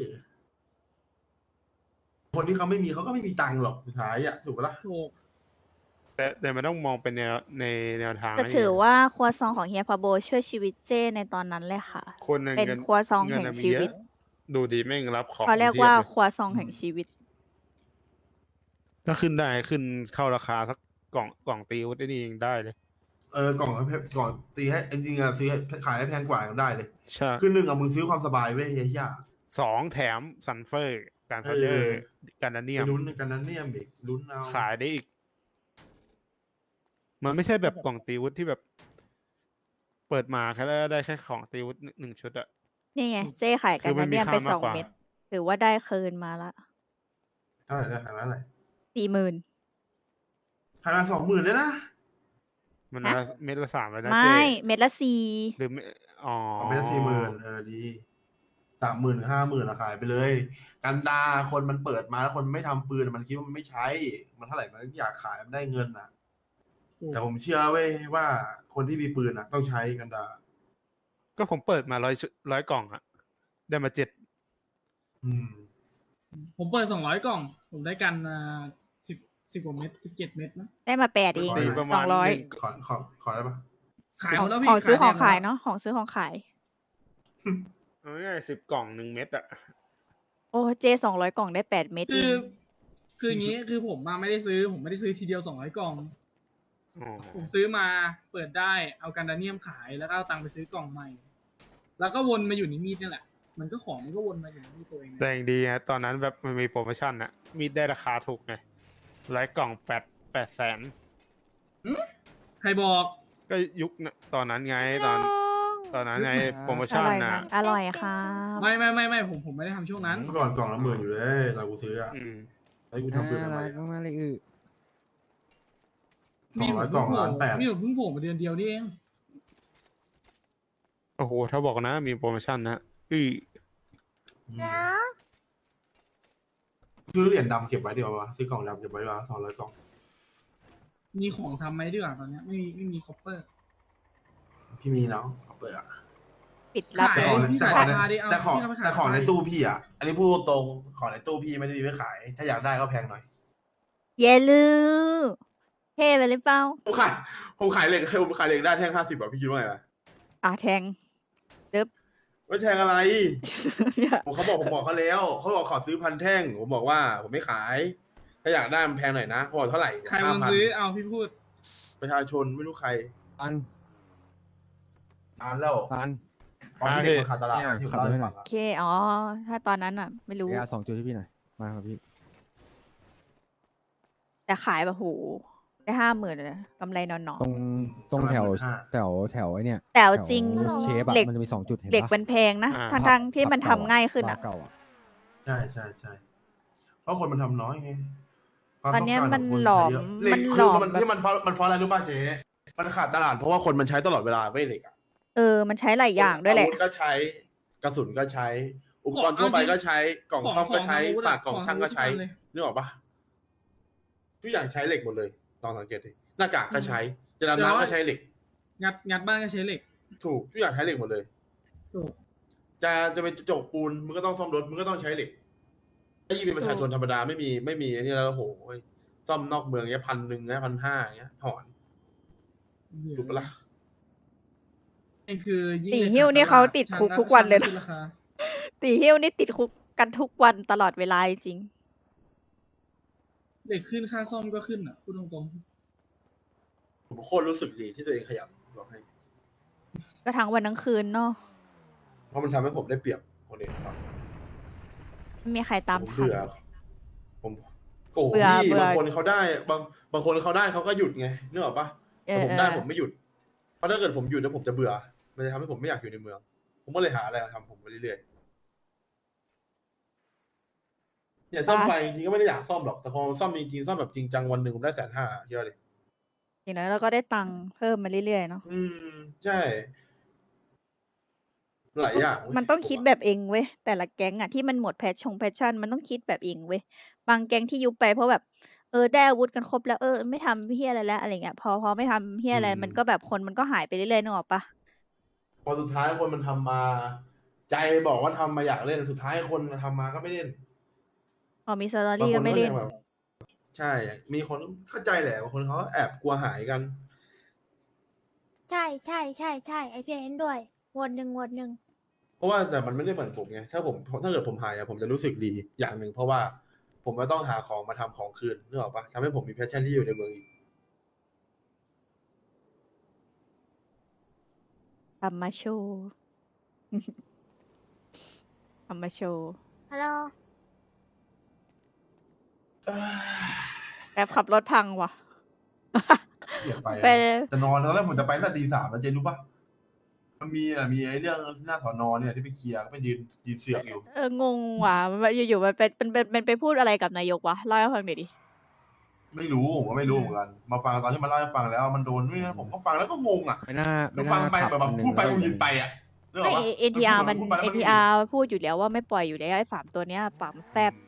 [SPEAKER 2] คนที่เขาไม่มีเขาก็ไม่มีตังค์หรอกสุดท้ายอ่ะถูกปะล่ะ
[SPEAKER 3] ถูก
[SPEAKER 9] แต่แต่มันต้องมองเป็นแนวในแนวทาง
[SPEAKER 1] แต่
[SPEAKER 9] นะ
[SPEAKER 1] ถือ
[SPEAKER 9] เฮีย
[SPEAKER 1] ว่าครัวซองของเฮียพาโบช่วยชีวิตเจ้ในตอนนั้นเลยค่ะ
[SPEAKER 9] คนหนึ่ง
[SPEAKER 1] เป็น
[SPEAKER 9] เงิน
[SPEAKER 1] ครัวซอง
[SPEAKER 9] เงิน
[SPEAKER 1] แห่ง
[SPEAKER 9] น่ะมี
[SPEAKER 1] ชี
[SPEAKER 9] เย
[SPEAKER 1] วิต
[SPEAKER 9] อะดูดีแม่งรับของ
[SPEAKER 1] เขาเรียก
[SPEAKER 9] พีบ
[SPEAKER 1] ว่า
[SPEAKER 9] ล
[SPEAKER 1] ครัวซองแห่งชีวิต
[SPEAKER 9] ถ้าขึ้นได้ขึ้นเข้าราคาสักกล่องกล่องตีวุฒิได้นี่ยังได้เลย
[SPEAKER 2] เออกล่องให้กล่องตีให้จริงๆอะซื้อให้ขายให้แพงกว่ายังได้เลย
[SPEAKER 9] ใช่
[SPEAKER 2] คือหนึ่งอะมึงซื้อความสบายเว้ยเฮีย
[SPEAKER 9] สองแถมซันเฟอร์การพาวเดอ
[SPEAKER 2] เอ
[SPEAKER 9] ร์
[SPEAKER 2] อ
[SPEAKER 9] การดาเนีย
[SPEAKER 2] ไป
[SPEAKER 9] ม
[SPEAKER 2] ลุ้นกันนั้นเนี่ยอีกลุ้นเอา
[SPEAKER 9] ขายได้อีก มันไม่ใช่แบบกล่องตีวุฒิที่แบบ เปิดมาแค่ได้แค่ของตีวุฒิหนึ่งชุดอะ
[SPEAKER 1] นี่ไง เจ้ขายกั
[SPEAKER 9] คื
[SPEAKER 1] น
[SPEAKER 9] อมั
[SPEAKER 1] นะ
[SPEAKER 9] นมี
[SPEAKER 1] เนี่ยไป
[SPEAKER 9] ค่ามาก
[SPEAKER 1] สอง
[SPEAKER 9] กว่า
[SPEAKER 1] เม็ดถือว่าได้คืนมาละ
[SPEAKER 2] เท่าไหร่ได้ขายมาเท่าไหร่
[SPEAKER 1] สี่หมื่น
[SPEAKER 2] ขายมาสองหมื่นเลยนะ
[SPEAKER 9] มัน
[SPEAKER 1] ฮะ
[SPEAKER 9] ละเม็ดละสามเลยนะ
[SPEAKER 1] ไม่
[SPEAKER 9] เจ๊
[SPEAKER 1] เม็ดละสี่
[SPEAKER 9] หรือไม่อ๋อ
[SPEAKER 2] เอาไปละสี่หมื่นเออดีสามหมื่นห้าหมื่นอะขายไปเลย กันดาคนมันเปิดมาแล้วคนไม่ทำปืนมันคิดว่ามันไม่ใช้ มันเท่าไหร่มันอยากขายมันได้เงินอ่ะ
[SPEAKER 3] ถูก
[SPEAKER 2] แต่ผมเชื่อเว้ยว่าคนที่มีปืนอ่ะ ต้องใช้กันดา
[SPEAKER 9] ก็ผมเปิดมาร้อยร้อยกล่องอะได้มาเจ็ด
[SPEAKER 2] อืม
[SPEAKER 3] ผมเปิดสองร้อยกล่อง ผมได้กันอ่าสิบสิบกว่าเม็ดสิบเจ็ดเม็ดนะ
[SPEAKER 1] ได้มาแปดเอง
[SPEAKER 2] ขอ
[SPEAKER 9] ตี
[SPEAKER 2] หน่อย
[SPEAKER 9] ประ
[SPEAKER 1] ส
[SPEAKER 9] มา
[SPEAKER 1] อ
[SPEAKER 9] ณ
[SPEAKER 1] งร้อย
[SPEAKER 9] หนึ่ง
[SPEAKER 2] ขอขอขอได้ปะ
[SPEAKER 3] ขาย
[SPEAKER 1] ข
[SPEAKER 3] ห
[SPEAKER 1] อ
[SPEAKER 3] ม
[SPEAKER 1] ง
[SPEAKER 3] ดแล้ว
[SPEAKER 1] ข
[SPEAKER 3] พี่
[SPEAKER 1] องซื้อของ
[SPEAKER 3] แด
[SPEAKER 1] ขาย
[SPEAKER 3] หมดแล้ว
[SPEAKER 1] เนาะของซื้อของขาย
[SPEAKER 9] เอาง่ายสิบกล่องหนึ่งเม็ดอะ
[SPEAKER 1] โอ้เจสองร้อยกล่องได้แปดเม็ด
[SPEAKER 3] คื
[SPEAKER 1] เอ
[SPEAKER 3] อ
[SPEAKER 1] ง
[SPEAKER 3] คืออย่างนี้คือผมมาไม่ได้ซื้อ ผมไม่ได้ซื้อทีเดียวสองร้อยกล่อง
[SPEAKER 9] อ๋อ
[SPEAKER 3] ผมซื้อมาเปิดได้เอากันดาเนียมขายแล้วก็เอาตังค์ไปซื้อกล่องใหม่ แล้วก็วนมาอยู่ในมีดนี่แหละ มันก็ของมันก็วนมาอยู่ในมีดตัวเอง
[SPEAKER 9] แต่ยังดีนะตอนนั้นแบบมันมีโปรโมชั่นอะมีดได้ราคาถูกไงร้อยกล่องแปดแปดแสน
[SPEAKER 3] ใครบอก
[SPEAKER 9] ก็ยุคน่ะตอนนั้นไงตอน ตอนนั้นไงโปรโม
[SPEAKER 1] อ
[SPEAKER 9] ชั่น
[SPEAKER 1] ร่อย
[SPEAKER 9] น่ะ
[SPEAKER 1] นะอร่อยค่ะ
[SPEAKER 3] ไม่ไม่ไม่ไม่ผมผมไม่ได้ทำช่วงนั้น
[SPEAKER 2] เมื่อก่อนกล่องละหมื่นอยู่เลยตอนกูซื้ออ่ะ
[SPEAKER 9] อืม
[SPEAKER 2] แล้วกูทำปืนทำไม
[SPEAKER 6] น่ารักมากเลยอือ
[SPEAKER 2] สองร้อยกล่องล้านแปด
[SPEAKER 3] มีผมเพิ่งโผล่มาเดือนเดียวนี่เอง
[SPEAKER 9] โอ้โห ถ้าบอกนะ มีโปรโมชั่นนะอือ
[SPEAKER 2] ซื้อเหรียญดำเก็บไว้ดีกว่าวะซื้อกล่องดำเก็บไว้ดีกว่าสองร้อยกล่อง
[SPEAKER 3] มีของทำไหมดีกว่าตอนเนี้ยไม่มีไม่มีคอปเปอร์
[SPEAKER 2] พี่มีเนาะเอาเปิดอ่ะ
[SPEAKER 1] ปิดรับ
[SPEAKER 3] ขา
[SPEAKER 2] แต่
[SPEAKER 3] ย
[SPEAKER 2] ของ
[SPEAKER 3] พี่
[SPEAKER 2] แต่
[SPEAKER 3] ขาย
[SPEAKER 2] ของใน
[SPEAKER 3] ราคาดิเอา
[SPEAKER 2] แต่ของ
[SPEAKER 3] พี่เอาไปขาย
[SPEAKER 2] แต่ของใน
[SPEAKER 3] ไป
[SPEAKER 2] ตู้พี่อ่ะ อันนี้พูดตรงๆของในตู้พี่ไม่ได้มีไว้ขาย ถ้าอยากได้ก็แพงหน่อย
[SPEAKER 1] เยลือเท่ไปหรือเปล่า
[SPEAKER 2] ผมขายผมขายเหล็กผมขายเหล็กได้แท่งห้าสิบอ่ะพี่คิดว่าไงล่ะ
[SPEAKER 1] อ่ะแทงเดิบ
[SPEAKER 2] ไม่แทงอะไร
[SPEAKER 1] เนี่ย
[SPEAKER 2] ผมเขาบอกผมบอกเขาแล้วเขาบอกขอซื้อพันแท่งผมบอกว่าผมไม่ขาย ถ้าอยากได้มันแพงหน่อยนะเขาบอกเท่าไหร่
[SPEAKER 3] ใคร
[SPEAKER 2] ห้า
[SPEAKER 3] มัน
[SPEAKER 2] พัน
[SPEAKER 3] ซื้อเอาพี่พูด
[SPEAKER 2] ประชาชนไม่รู้ใคร
[SPEAKER 6] ตัน
[SPEAKER 2] นานแล้ว
[SPEAKER 6] ตัน
[SPEAKER 2] ตอนที่เด็กมาขาดตลาด
[SPEAKER 6] เนี่ย
[SPEAKER 2] ที่
[SPEAKER 6] ขับรถให้หน่อย
[SPEAKER 2] ผม
[SPEAKER 1] โอเคอ๋อถ้าตอนนั้นอ่ะ ไม่รู้
[SPEAKER 6] เออาสองจุดให้พี่หน่อยมาครับพี่
[SPEAKER 1] แต่ขายแบบโหได้ห้าหมื่นเลยกำไรนอน
[SPEAKER 6] ตรงตรงแถวแถวแถวไอ้เนี่ย
[SPEAKER 1] ๆแต่เอาจริง
[SPEAKER 6] แถวเชฟอะ
[SPEAKER 1] เหล็ก
[SPEAKER 6] มันจะมีสองจุดเห็น
[SPEAKER 1] เหล็ก
[SPEAKER 6] ปะ
[SPEAKER 1] มันแพงนะ
[SPEAKER 9] อ่า
[SPEAKER 1] ทั้งทั้งๆที่มันทำง่ายขึ้นอ่ะ
[SPEAKER 6] บาร์เก่าอะ
[SPEAKER 2] ใช่ใช่ใช่เพราะคนมันทำน้อยไงความ
[SPEAKER 1] ตอนเนี้ย
[SPEAKER 2] งการ
[SPEAKER 1] มัน
[SPEAKER 2] ขงค
[SPEAKER 1] หลอม
[SPEAKER 2] ใช้เยะเหล็
[SPEAKER 1] มั
[SPEAKER 2] ก
[SPEAKER 1] น
[SPEAKER 2] คือ
[SPEAKER 1] หลอม
[SPEAKER 2] มัน
[SPEAKER 1] แบบ
[SPEAKER 2] ที่มันเพราะมันเพราะอะไรรู้ป่ะเจ๊มันขาดตลาดเพราะว่าคนมันใช้ตลอดเวลาไม่เหล็กอะ
[SPEAKER 1] เออ มันใช้หลายอย่างด้วยแหละ
[SPEAKER 2] อาวุธก็ใช้กระสุนก็ใช้ อุปกรณ์ทั่วไปก็ใช้กล่องซ่อมก็ใช้
[SPEAKER 3] ของ
[SPEAKER 2] ฝากกล่องช่างก็ใช้
[SPEAKER 3] เลย
[SPEAKER 2] นึกออกปะทุกอย่างใช้เหล็กหมดเลยลองสังเกตดิหน้ากากก็ใช้จะดำน้ำก็ใช้เหล็ก
[SPEAKER 3] งัดงัดบ้านก็ใช้เหล็ก
[SPEAKER 2] ถูกทุกอย่างใช้เหล็กหมดเลย
[SPEAKER 3] ถูก
[SPEAKER 2] จะจะไปจกปูนมึงก็ต้องซ่อมรถมึงก็ต้องใช้เหล็กถ้ายิ่งเป็นประชาชนธรรมดาไม่มีไม่มีอันนี้แล้วโอ้โหซ่อมนอกเมืองเนี้ยพันหนึ่งนะพันห้าอย่างเงี้ยถอนถูกปะล่ะ
[SPEAKER 3] นี่คือยิ่ง
[SPEAKER 1] ตีหิ้วนี่เขาติดคุกทุกวันเลยนะ
[SPEAKER 3] ช่างก็ขึ้ราคา
[SPEAKER 1] ตีเฮี้ยวนี่ติดคุกกันทุกวันตลอดเวลาจริง
[SPEAKER 3] เหล็กขึ้นค่าซ่อมก็ขึ้นอ่ะพูดตรง
[SPEAKER 2] ผมโคตรรู้สึกดีที่ตัวเองขยันบอกให้
[SPEAKER 1] ก็ทั้งวันทั้งคืนเนาะ
[SPEAKER 2] เพราะมันทำให้ผมได้เปรียบคนอื่นครับ
[SPEAKER 1] ไม่มีใครตาม
[SPEAKER 2] ผม
[SPEAKER 1] ทัน
[SPEAKER 2] เบื่อผมโกรธ
[SPEAKER 1] เบื่อ
[SPEAKER 2] พี่
[SPEAKER 1] เบื่อ
[SPEAKER 2] บางคนเขาได้บางบางคนเขาได้เขาก็หยุดไงนึกออกปะ
[SPEAKER 1] เอ
[SPEAKER 2] แต่
[SPEAKER 1] อ
[SPEAKER 2] ผม
[SPEAKER 1] เอ
[SPEAKER 2] ได้
[SPEAKER 1] อ
[SPEAKER 2] ผมไม่หยุดเพราะถ้าเกิดผมหยุดแล้วผมจะเบื่อมันจะทำให้ผมไม่อยากอยู่ในเมือง ผมก็เลยหาอะไรมาทำผมไปเรื่อยๆเนี่ยซ่อมไฟจริงๆก็ไม่ได้อยากซ่อมหรอกแต่พอซ่อมจริงๆซ่อมแบบจริงจังวันหนึ่งผมได้แสนห้าเยอะเลย
[SPEAKER 1] อย่างน้อยเราก็ได้ตังค์เพิ่มมาเรื่อยๆเนาะ
[SPEAKER 2] อืมใช่หลายอย่างเว้ย
[SPEAKER 1] มันต้องคิด
[SPEAKER 2] ผะ
[SPEAKER 1] แบบเองเว้ยแต่ละแก๊งอะที่มันหมดแพชชงแพชชั่นมันต้องคิดแบบเองเว้ยบางแก๊งที่ยุบไปเพราะแบบเออได้อาวุธกันครบแล้วเออไม่ทำเฮียอะไรแล้วอะไรเงี้ยพอพอไม่ทำเฮียอะไรมันก็แบบคนมันก็หายไปเรื่อยๆนึกออกปะ
[SPEAKER 2] พอสุดท้ายคนมันทำมา ใจบอกว่าทำมาอยากเล่นสุดท้ายคนมันทำมาก็ไม่เล่น
[SPEAKER 1] พอมีสตอบ
[SPEAKER 2] าง
[SPEAKER 1] รี่
[SPEAKER 2] ค
[SPEAKER 1] ก็
[SPEAKER 2] น
[SPEAKER 1] ไม่
[SPEAKER 2] ก็
[SPEAKER 1] เล่
[SPEAKER 2] ยั
[SPEAKER 1] น
[SPEAKER 2] งแบบ ใช่ มีคนเข้าใจแหละบางคนเขาแอบกลัวหายกัน
[SPEAKER 5] ใช่ใช่ใช่ใช่ไอพีเห็นด้วยวดหนึ่งวดหนึ่ง
[SPEAKER 2] เพราะว่าแต่มันไม่ได้เหมือนผมไงถ้าผมถ้าเกิดผมหายอะผมจะรู้สึกดีอย่างหนึ่งเพราะว่าผมก็ต้องหาของมาทำของคืนนึกออกปะทำให้ผมมีแพชชั่นที่อยู่ในเมืองอีก
[SPEAKER 1] ทำมาโชว์ ทำมาโชว์
[SPEAKER 5] ฮัลโหล
[SPEAKER 1] แอบขับรถพังว่ะ
[SPEAKER 2] เสียไปอะ
[SPEAKER 1] ไป
[SPEAKER 2] จะนอนแล้วผมจะไปตั้งแต่ตีสามแล้วเจนรู้ปะมันมีอะมีไอ้เรื่องหน้าสอนอเนี่ยที่ไปเคลียร์ก็ไปยืนยืนเสือกอยู่
[SPEAKER 1] เอองงว่ะมันอยู่ๆมันเป็นมันเป็นมันไปพูดอะไรกับนายกวะเล่าให้ฟังหน่อยดิ
[SPEAKER 2] ไม่รู้ผมก็ไม่รู้เหมือนกัน มาฟังตอนที่มันเล่าให้ฟังแล้วมันโดนด้วยนะผมก็ฟังแล้วก็งงอ่ะ
[SPEAKER 6] ไม่น่า
[SPEAKER 2] ก็
[SPEAKER 6] ไม่
[SPEAKER 2] ฟัง
[SPEAKER 6] น่า
[SPEAKER 2] ไป
[SPEAKER 6] ขับ
[SPEAKER 2] แบบ
[SPEAKER 6] หนึ่ง
[SPEAKER 2] พูดไป
[SPEAKER 6] ร้
[SPEAKER 2] กู
[SPEAKER 6] อย
[SPEAKER 2] ยืนไปอ่ะนึกอ
[SPEAKER 1] ไม่
[SPEAKER 2] อกปะ
[SPEAKER 1] เอ็นทีอาร์มัน
[SPEAKER 2] พูดไปแล้ว
[SPEAKER 1] เอ็น
[SPEAKER 2] ก็
[SPEAKER 1] ที
[SPEAKER 2] ยื
[SPEAKER 1] อาร์พูดอยู่แล้วว่าไม่ปล่อยอยู่แล้วไอ้สามตัวเนี้ยปากมันแซบ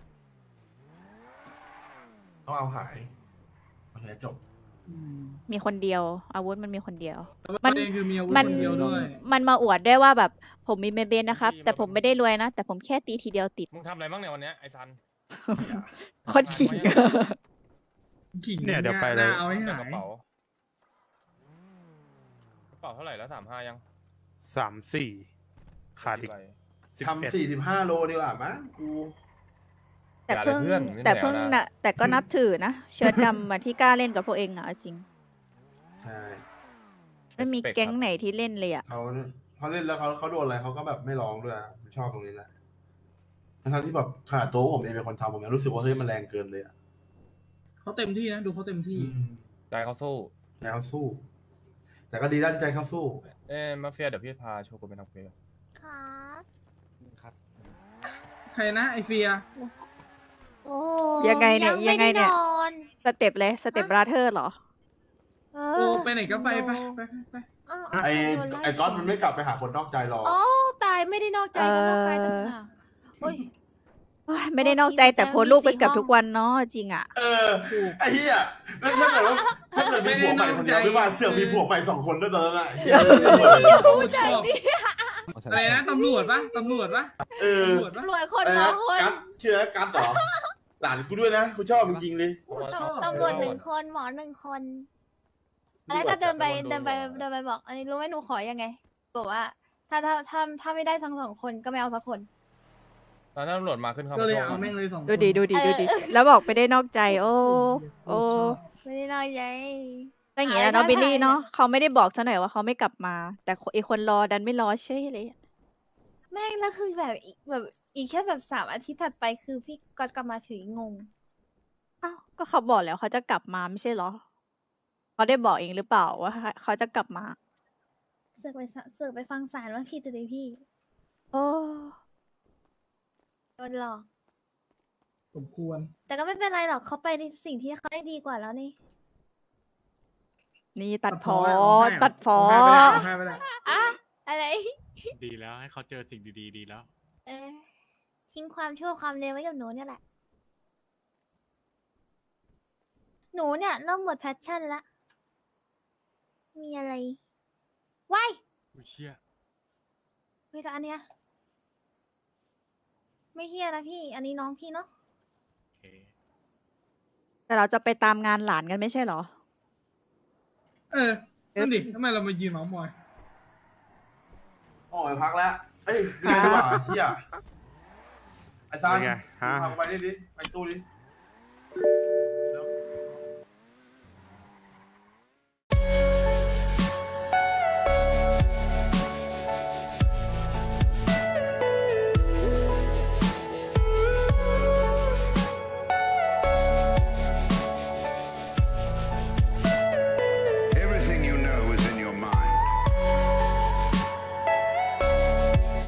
[SPEAKER 2] ต้องเอาหายโอเคจบ
[SPEAKER 3] ๆอืม
[SPEAKER 1] มีคนเดียว อาวุธมันมีคนเดียว
[SPEAKER 3] แต่ว่า
[SPEAKER 1] มั
[SPEAKER 3] ป
[SPEAKER 1] น
[SPEAKER 3] ระเด็นคือมีอาวุธ
[SPEAKER 1] มัน
[SPEAKER 3] คนเดียวด้วย
[SPEAKER 1] มันมาอวดได้วยว่าแบบผมมีเมเบนนะครับ แต่ผมไม่ได้รวยนะ แต่ผมแค่ตีทีเดียวติด
[SPEAKER 4] มึงทำอะไรบ้างเนี่ยวันเนี้ยไอ้ซัน
[SPEAKER 1] โคตรขิง
[SPEAKER 3] ขิง
[SPEAKER 9] เนี่ยเดี๋ยวไปเลย
[SPEAKER 3] หน้าเอาให้
[SPEAKER 4] เต็ม
[SPEAKER 3] หาก
[SPEAKER 4] ระ
[SPEAKER 3] ย
[SPEAKER 4] เป๋ากระเป๋าเท่าไหร่แล้วสามห้ายัง
[SPEAKER 9] สามสี่ขาดอีก
[SPEAKER 4] ใบ
[SPEAKER 9] สิบเอ็ด
[SPEAKER 2] ทำสี่สิบห้าโลดีกว่ามั้งกู
[SPEAKER 1] แต่
[SPEAKER 4] อย่าเลย
[SPEAKER 1] เพิ่ง
[SPEAKER 4] เพื่อนไม่
[SPEAKER 1] แต่
[SPEAKER 4] แนว
[SPEAKER 1] เพิ่ง
[SPEAKER 4] นะ
[SPEAKER 1] นะแต่ก็นับถือนะ เชิดดำมาที่กล้าเล่นกับพวกเองอ่ะเอาจริง
[SPEAKER 2] ใช่
[SPEAKER 1] ไม่มี
[SPEAKER 4] Respect
[SPEAKER 1] แก๊ง
[SPEAKER 4] ครับ
[SPEAKER 1] ไหนที่เล่นเลยอ่ะ
[SPEAKER 2] เขาเขาเล่นแล้วเขาเขาโดนอะไรเขาก็แบบไม่ร้องด้วยอะผมชอบตรงนี้แหละทั้งๆที่แบบขนาดตัวผมเองเป็นคนทำผมยังรู้สึกว่าเฮ้ยมันแรงเกินเลยอ่ะ
[SPEAKER 3] เขาเต็มที่นะดูเขาเต็มที่
[SPEAKER 2] อืม
[SPEAKER 4] ใจเขาสู้
[SPEAKER 2] ใจเขาสู้ แต่ก็ดีแล้วที่ใจเขาสู้
[SPEAKER 4] เอ้ยมาเฟียเดี๋ยวพี่พาโชกุนไปทำเควส
[SPEAKER 5] ครับ
[SPEAKER 6] ครับ
[SPEAKER 3] ใครนะไอเฟีย
[SPEAKER 5] โอ้
[SPEAKER 1] ยังไงเนี่ย
[SPEAKER 5] ม่
[SPEAKER 1] ยังไงเนี่ย
[SPEAKER 5] ด้นอน
[SPEAKER 1] สเต็ปเลยสเต็ปบราเธอร์เหรอ
[SPEAKER 5] เอ
[SPEAKER 3] โอ้
[SPEAKER 5] อ
[SPEAKER 3] ไปไหนก็ไปไปไปไปไป
[SPEAKER 5] เา
[SPEAKER 2] ไอ้
[SPEAKER 5] เาเา
[SPEAKER 2] ไอ้ก๊อตมันไม่กลับไปหาคนนอกใจหรอก
[SPEAKER 5] โอ้ตายไม่ได้นอกใจก็นอกใจต่างหากโอ้ย
[SPEAKER 1] เฮ้ยไม่ได้นอกใจแต่โพสต์รูปกันเกับทุกวันเนาะจริงอ่ะ
[SPEAKER 2] เออไอ้เหี้ยแล้วถ้าเกิดว่าถ้าเกิดมีผัวใหม่คนเดียวไม่ว่าเสือกมีผัวใหม่สองคนด้วยตอนนั้นอะเหี้ย
[SPEAKER 3] พูดแบบนี้
[SPEAKER 6] เอาใส่
[SPEAKER 3] อะไรนะตำรวจปะตำรวจปะ
[SPEAKER 2] เออ
[SPEAKER 3] ตำรวจปะ
[SPEAKER 5] รวยคน
[SPEAKER 2] อะไร
[SPEAKER 5] ขอ
[SPEAKER 2] นะ
[SPEAKER 5] คน
[SPEAKER 2] กัดเชื่อกัดเหรอหลานกูด้วยนะกูชอบจริงๆเลย
[SPEAKER 4] เพราะว่า
[SPEAKER 3] ชอบ
[SPEAKER 5] ตำรวจหนึ่งคนหมอหนึ่งคนแล้วก็เดินไปเดินไปเดินไปบอกอันนี้รู้ไหมหนูขอยังไงบอกว่า ถ้าถ้าถ้าถ้าไม่ได้ทั้งสองคนก็ไม่เอาสักคน
[SPEAKER 4] ตอนนั้นตำรวจมาขึ้นเข้า
[SPEAKER 3] ก็
[SPEAKER 4] มา
[SPEAKER 3] เลย
[SPEAKER 4] ช่วย
[SPEAKER 3] เอาแม่งเลยสองคน
[SPEAKER 1] ดูดิดูดิดูดิแล้วบอกไปได้นอกใจ โอ้โอ้
[SPEAKER 5] ไม่ได้น้อยใจ
[SPEAKER 1] ก็อย่างเงี้ยเนาะบิลลี่เนาะเขาไม่ได้บอกซะหน่อยว่าเขาไม่กลับมา แต่ไอคนรอดันไม่รอเช่ยเลย
[SPEAKER 5] แม่งแล้วคือแบบอีกแบบอีกแค่แบบสามอาทิตย์ถัดไปคือพี่ก๊อตกลับมาถึงงง
[SPEAKER 1] อ้าวก็เขาบอกแล้วเขาจะกลับมาไม่ใช่เหรอเขาได้บอกเองหรือเปล่าว่าเขาจะกลับมา
[SPEAKER 5] เสือกไปสะเสือกไปฟังสารว่าผิดแต่พี่
[SPEAKER 1] โอ้
[SPEAKER 5] โดนหลอก
[SPEAKER 3] สมควร
[SPEAKER 5] แต่ก็ไม่เป็นไรหรอกเขาไปในสิ่งที่เขาได้ดีกว่าแล้วนี่
[SPEAKER 1] นี่ตัดพ
[SPEAKER 3] ตั
[SPEAKER 1] อ
[SPEAKER 3] ดพ้อ
[SPEAKER 1] ตัดพอ
[SPEAKER 3] เอาให้ไปแล้ว
[SPEAKER 5] อะอะไร
[SPEAKER 9] ดีแล้วให้เขาเจอสิ่งดีๆดีแล้ว
[SPEAKER 5] เออทิ้งความชั่วความเลวไว้กับหนูเนี่ยแหละ หนูเนี่ยเริ่มหมดแพชชั่นละ มีอะไรว้าย
[SPEAKER 9] อุ้ยเชี่ย
[SPEAKER 5] เฮ้ยแต่อันเนี้ยไม่เฮียนะพี่ อันนี้น้องพี่เนาะ
[SPEAKER 9] โอเค
[SPEAKER 1] แต่เราจะไปตามงานหลานกันไม่ใช่เหรอ
[SPEAKER 3] เออนั่นดิทำไมเรามายืนเมาส์มอย
[SPEAKER 2] โอ้ยพักแล้วเอ้ยเรียนดีกว่าเฮียไอ้ซาน
[SPEAKER 6] เป็นไงฮะ
[SPEAKER 2] พากูไปดิดิไปตู้ดิ